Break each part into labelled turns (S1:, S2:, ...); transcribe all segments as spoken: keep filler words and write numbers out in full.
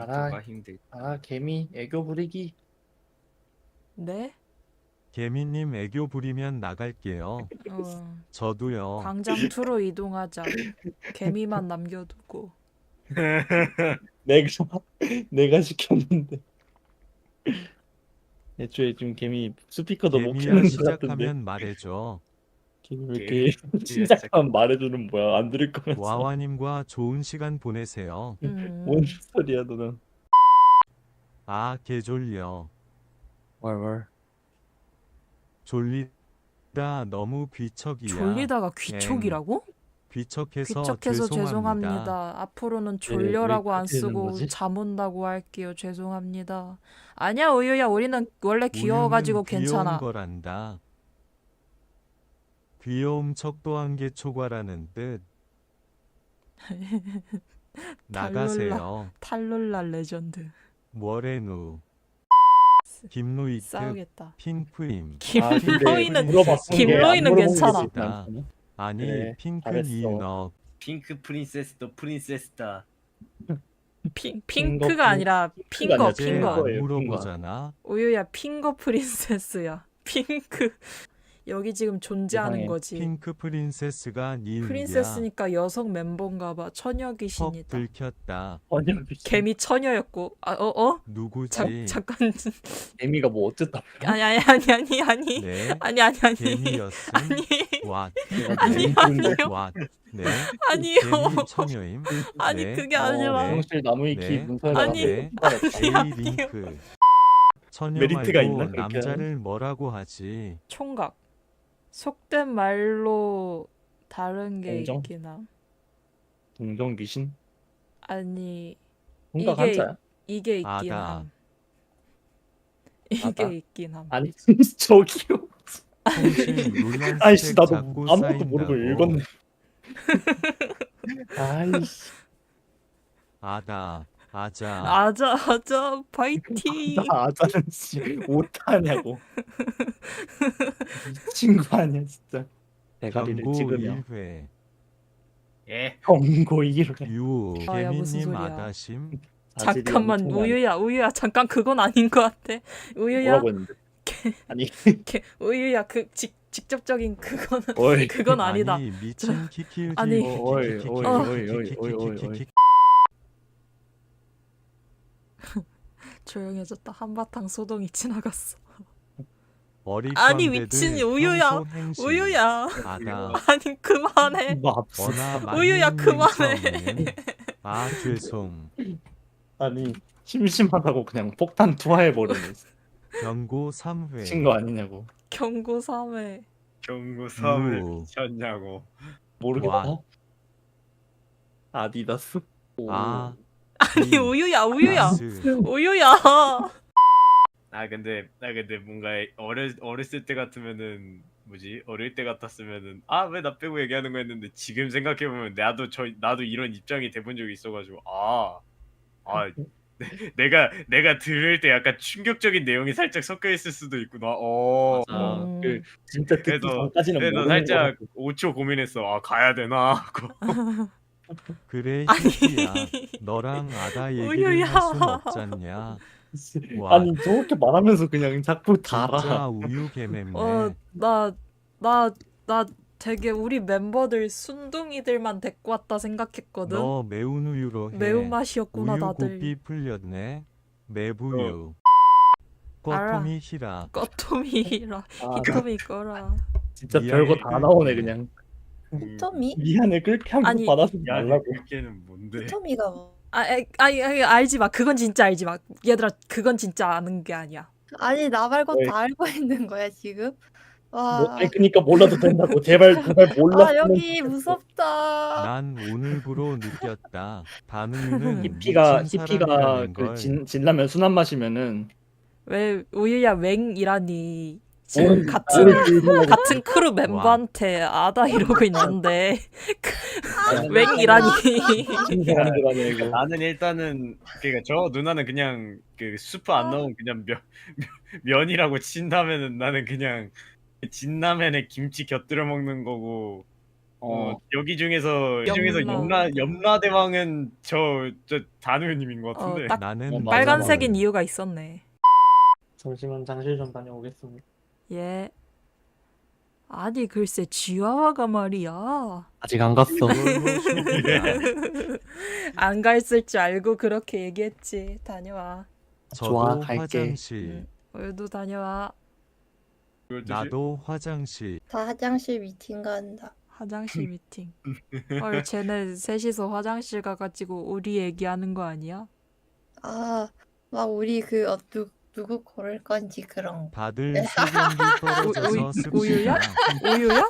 S1: 알아.
S2: 힘들.
S1: 아, 개미 애교 부리기.
S3: 네?
S4: 개미님 애교 부리면 나갈게요.
S3: 어,
S4: 저도요.
S3: 광장 투로 이동하자. 개미만 남겨두고.
S1: 내가 내가 시켰는데. 애초에 지금 개미 스피커도 못
S4: 개미야
S1: 켜는 것 같은데.
S4: 시작하면 말해줘.
S1: 개미 왜 이렇게
S2: 개미
S1: 시작하면 말해주는 뭐야? 안 들을 거면서.
S4: 와와님과 좋은 시간 보내세요.
S3: 음,
S1: 뭔 소리야 너는?
S4: 아 개졸려.
S1: 월월.
S4: 졸리다 너무 귀척이야.
S3: 졸리다가 귀척이라고?
S4: 귀척해서,
S3: 귀척해서
S4: 죄송합니다.
S3: 죄송합니다. 앞으로는 졸려라고
S1: 왜
S3: 안
S1: 그렇게 되는
S3: 쓰고
S1: 거지?
S3: 잠 온다고 할게요. 죄송합니다. 아니야 우유야, 우리는 원래 귀여워가지고
S4: 우유는
S3: 괜찮아.
S4: 귀여운 거란다. 귀여움 척도한 게 초과라는 뜻. 나가세요.
S3: 탈룰라 레전드.
S4: 뭐래누. 김로이트
S3: 싸우겠다.
S4: 핑크임.
S3: 김로이는
S1: 물어봤은 게
S3: 김로이는
S1: 안 물어본 게
S3: 괜찮아.
S1: 있지 않잖아.
S4: 아니
S1: 그래,
S4: 핑크
S1: 잘했어.
S4: 니은업.
S2: 핑크 프린세스도 프린세스다.
S3: 핑
S1: 핑거
S3: 핑크가 아니라 핑거
S1: 아니야,
S4: 어제
S3: 핑거.
S1: 핑거예요,
S4: 안 물어보잖아.
S3: 우유야 핑거 프린세스야. 핑크 여기 지금 존재하는
S1: 세상에.
S3: 거지.
S4: 핑크 프린세스가 니은이야.
S3: 프린세스니까 여성 멤버인가봐. 처녀
S4: 헉
S3: 귀신이다.
S4: 들켰다.
S1: 아니야,
S3: 개미 처녀였고. 아, 어, 어?
S4: 누구지?
S3: 자, 잠깐.
S1: 개미가 뭐 어쨌다.
S3: 아니, 아니, 아니, 아니, 아니.
S4: 네.
S3: 아니, 아니, 아니.
S4: 개미였음.
S3: 아니,
S4: 왓.
S3: 아니,
S4: 네.
S3: 아니요.
S4: 왓. 네.
S3: 아니요.
S4: 개미 처녀임.
S3: 아니,
S4: 네.
S3: 그게
S1: 어,
S3: 아니라.
S1: 사무실 나무위키
S4: 네.
S1: 문서에다가
S3: 아니.
S4: 네.
S1: 받았다.
S4: 제이
S3: 아니요.
S4: 링크. 처녀
S1: 메리트가
S4: 말고
S1: 있나, 그렇게
S4: 남자를 뭐라고 하지?
S3: 총각. 속된 말로 다른 게
S1: 동정?
S3: 있긴 함.
S1: 동정 귀신?
S3: 아니,
S1: 뭔가
S3: 이게-
S1: 한자야?
S3: 이게 있긴
S4: 아다.
S3: 함. 이게
S1: 아다?
S3: 있긴 함.
S1: 아니 저기요.
S4: 통신 논란
S1: 아이씨
S4: 스펙
S1: 나도
S4: 자꾸
S1: 아무것도 모르고
S4: 쌓인다고.
S1: 읽었네. 아이씨.
S4: 아다. 아자.
S3: 아자, 아자, 파이팅.
S1: 나 아자는 씨 못하냐고. 미친 거 아니야 진짜. 대가리를
S4: 경고
S1: 찍으며
S4: 일 회.
S2: 예.
S1: 경고 이를 해.
S4: 유.
S3: 아, 야, 무슨
S4: 개미님
S3: 소리야.
S4: 아다심.
S3: 잠깐만, 우유야, 우유야, 잠깐 그건 아닌 것 같아. 우유야,
S1: 뭐라고 했는데? 아니
S3: 개- 우유야, 그 직, 직접적인 그거는
S1: 어이
S3: 그건 아니다.
S4: 아니 미친 키키우지.
S3: 아니.
S1: 어, 어이, 어이, 어이, 어이, 어이, 어이, 어이.
S3: 조용해졌다. 한바탕 소동이 지나갔어.
S4: 어리
S3: 아니, 미친 우유야. 우유야,
S4: 아다.
S3: 아니 그만해.
S1: 뭐
S4: 원아
S3: 우유야,
S4: 만님
S3: 그만해.
S4: 처음엔. 아 죄송.
S1: 아니 심심하다고 그냥 폭탄 투하해버리네.
S4: 경고 삼 회.
S1: 미친 거 아니냐고.
S3: 경고 삼 회.
S2: 경고 삼을
S4: 유.
S2: 미쳤냐고.
S1: 모르겠다.
S4: 와.
S1: 아디다스. 오.
S4: 아.
S3: 아니 우유야, 우유야,
S4: 나스.
S3: 우유야.
S2: 아 근데 아 근데 뭔가 어렸 어렸을 때 같으면은 뭐지 어릴 때 같았으면은 아 왜 나 빼고 얘기하는 거 했는데 지금 생각해 보면 나도 저 나도 이런 입장이 돼본 적이 있어가지고 아 아 내가 내가 들을 때 약간 충격적인 내용이 살짝 섞여 있을 수도 있구나. 어.
S1: 아,
S3: 음.
S1: 그 진짜 듣기
S2: 그래서-
S1: 전까지는
S2: 그래서
S1: 모르는
S2: 살짝
S1: 거라고.
S2: 오 초 고민했어. 아 가야 되나 하고.
S4: 그래
S3: 아니.
S4: 희희야. 너랑 아다 얘기를
S3: 우유야.
S4: 할 순 없잖냐. 와.
S1: 아니 저렇게 말하면서 그냥 자꾸 달아.
S4: 진짜 우유 개맴네.
S3: 어, 나, 나, 나 되게 우리 멤버들 순둥이들만 데리고 왔다 생각했거든.
S4: 너 매운 우유로 해.
S3: 매운맛이었구나
S4: 우유
S3: 다들.
S4: 고삐 풀렸네. 매부유.
S3: 알아.
S4: 꺼토미 히라.
S3: 꺼토미라,
S1: 아,
S3: 히토미 꺼라.
S1: 진짜
S4: 미안해,
S1: 별거 다
S4: 그-
S1: 나오네 그냥.
S5: 토미?
S1: 미안해 그렇게 하고
S3: 아니,
S1: 받아서
S2: 야
S1: 말라고.
S2: 그게는 뭔데?
S5: 토미가 뭐?
S3: 아, 에, 아니, 아니, 알지 마. 그건 진짜 알지 마. 얘들아, 그건 진짜 아는 게 아니야.
S5: 아니 나 말고
S1: 왜?
S5: 다 알고 있는 거야 지금? 와.
S1: 뭐, 아니, 그러니까 몰라도 된다고. 제발 제발
S5: 아
S1: 몰랐으면
S5: 여기 무섭다.
S4: 난 오늘부로 느꼈다. 반우유는
S1: 히피가
S4: 미친
S1: 히피가
S4: 사람이라는
S1: 그
S4: 걸.
S1: 진, 진라면 순한 맛이면은
S3: 왜 우유야 웽이라니.
S1: 오늘
S3: 지금 같은
S1: 오늘
S3: 같은 크루 멤버한테 아다 이러고 있는데 웽이라니.
S1: 신생아들 아니야 이거.
S2: 나는 일단은 그러니까 저 누나는 그냥 그 수프 안 넣은 그냥 면, 면 면이라고 친다면은 나는 그냥 진라면에 김치 곁들여 먹는 거고 어,
S1: 어.
S2: 여기 중에서 여기 중에서
S3: 염라.
S2: 염라 염라 대왕은 저 저 단우님인 것 같은데.
S3: 어, 딱
S4: 나는
S1: 어, 맞아,
S3: 빨간색인
S1: 맞아.
S3: 이유가 있었네.
S1: 잠시만 장실 좀 다녀오겠습니다.
S3: 예. 아니 글쎄 지화화가 말이야.
S1: 아직 안 갔어.
S3: 안 갔을 줄 알고 그렇게 얘기했지. 다녀와.
S1: 좋아,
S4: 저도
S1: 갈게.
S4: 화장실.
S3: 응. 오늘도 다녀와.
S2: 그걸 뜻이-
S4: 나도 화장실.
S5: 다 화장실 미팅 간다.
S3: 화장실 미팅. 헐 쟤네 셋이서 화장실 가가지고 우리 얘기하는 거 아니야?
S5: 아, 막 우리 그 어, 누, 누구 고를 건지 그런 거.
S4: 다들 수건비 떨어져서
S3: 우유-
S4: 습시다.
S3: 우유야? 우유야?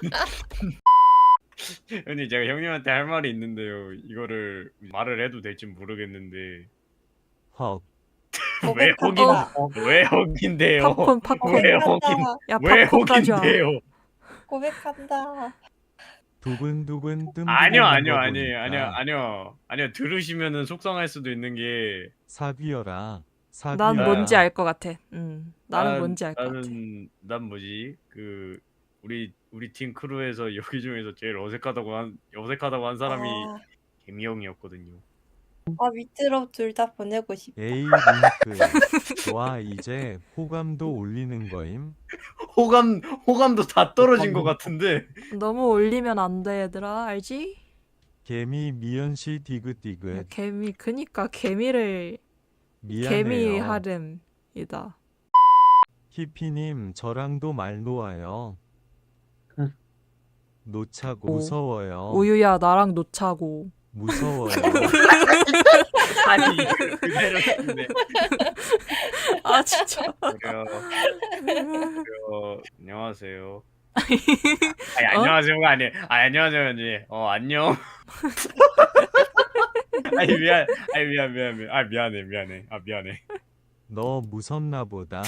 S2: 형님 제가 형님한테 할 말이 있는데요. 이거를 말을 해도 될지 모르겠는데
S4: 헉.
S2: 왜 혹인
S3: 어.
S2: 왜 혹인데요?
S3: 팝콘 팝콘.
S2: 왜
S5: 고백한다.
S2: 혹인
S3: 야
S2: 왜
S3: 팝콘 가져와.
S2: 혹인데요?
S5: 고백한다.
S4: 두근두근 뜸.
S2: 아니요 아니요 아니에요 아니요 아니요 아니요 들으시면은 속상할 수도 있는 게
S4: 사귀어라. 사귀어라.
S3: 난 뭔지 알 것 같아. 음, 나는
S2: 난-
S3: 뭔지 알 것 같아.
S2: 나는 난 뭐지 그 우리 우리 팀 크루에서 여기 중에서 제일 어색하다고 한 어색하다고 한 사람이
S5: 아,
S2: 개미 형이었거든요.
S5: 아 밑으로 둘 다 보내고 싶다.
S4: 에이 링크. 와 이제 호감도 올리는 거임.
S2: 호감 호감도 다 떨어진 것 같은데.
S3: 너무 올리면 안 돼 얘들아 알지?
S4: 개미 미연씨
S3: 야,
S4: 디귿디귿.
S3: 개미 그니까 개미를
S4: 미안해요.
S3: 개미 하름이다.
S4: 히피님 저랑도 말 놓아요.
S1: 응.
S4: 놓자고
S3: 오.
S4: 무서워요.
S3: 우유야 나랑 놓자고.
S4: 무서워요.
S2: 아니 그- 그대로 했는데.
S3: 아 진짜.
S2: 그래요. 그래요. 안녕하세요. 아니 안녕하세요가 아니. 아 안녕하세요 언니. 어 안녕. 아니 미안. 아니 미안 미안 미안. 아 미안해 미안해. 아 미안해.
S4: 너 무섭나 보다.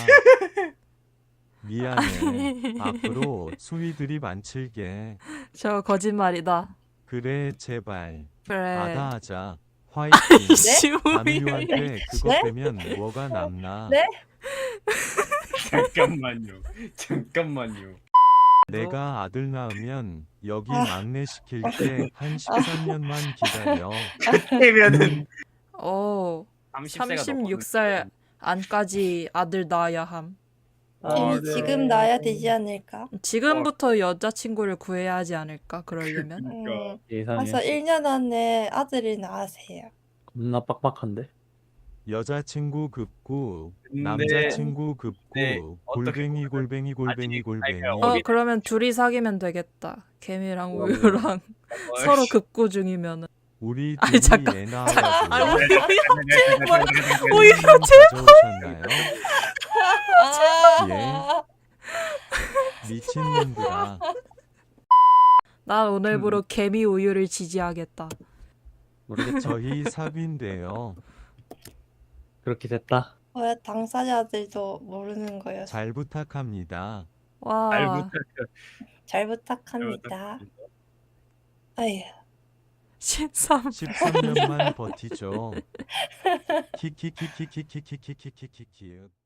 S4: 미안해. 앞으로 수위 드립 안 칠게.
S3: 저 거짓말이다.
S4: 그래 제발.
S3: 그래.
S4: 아다하자. 화이팅.
S3: 이씨 뭐야.
S4: 담유한테 그것
S5: 네?
S4: 빼면 뭐가 남나.
S5: 네?
S2: 잠깐만요. 잠깐만요.
S4: 내가 아들 낳으면 여기
S5: 아.
S4: 막내 시킬게. 한 십삼 년만 기다려.
S2: 되면은
S3: 어. 삼십육 살 안까지 아들 낳아야 함.
S2: 아,
S5: 이미
S2: 네.
S5: 지금 나야 되지 않을까?
S3: 지금부터 여자친구를 구해야 하지 않을까 그러려면.
S2: 그러니까.
S5: 음,
S1: 예상해.
S5: 벌써 일 년 안에 아들을 낳으세요.
S1: 겁나 빡빡한데.
S4: 여자친구 급구,
S2: 근데-
S4: 남자친구 급구,
S2: 네, 어떻게
S4: 골뱅이 골뱅이 골뱅이
S2: 아직-
S4: 골뱅이.
S2: 아니,
S3: 어
S2: 어리-
S3: 그러면 둘이 사귀면 되겠다. 개미랑 우유랑 서로 급구 중이면은.
S4: 우리
S3: 아니,
S4: 둘이
S3: 잠깐.
S4: 애
S3: 아,
S4: 낳아가지고
S3: 우유
S2: 그
S3: 우유
S4: 가져오셨나요?
S5: 아,
S4: 미친놈들아.
S3: 난 오늘부로 개미 우유를 지지하겠다.
S1: 모르겠죠.
S4: 저희 사귄대요.
S1: 그렇게 됐다.
S5: 왜 당사자들도 모르는 거였어.
S4: 잘 부탁합니다.
S3: 와.
S2: 잘 부탁.
S5: 잘 부탁합니다. 아휴.
S3: 십삼.
S4: 십삼 년만 버티죠. 키키키키키키키키키키키.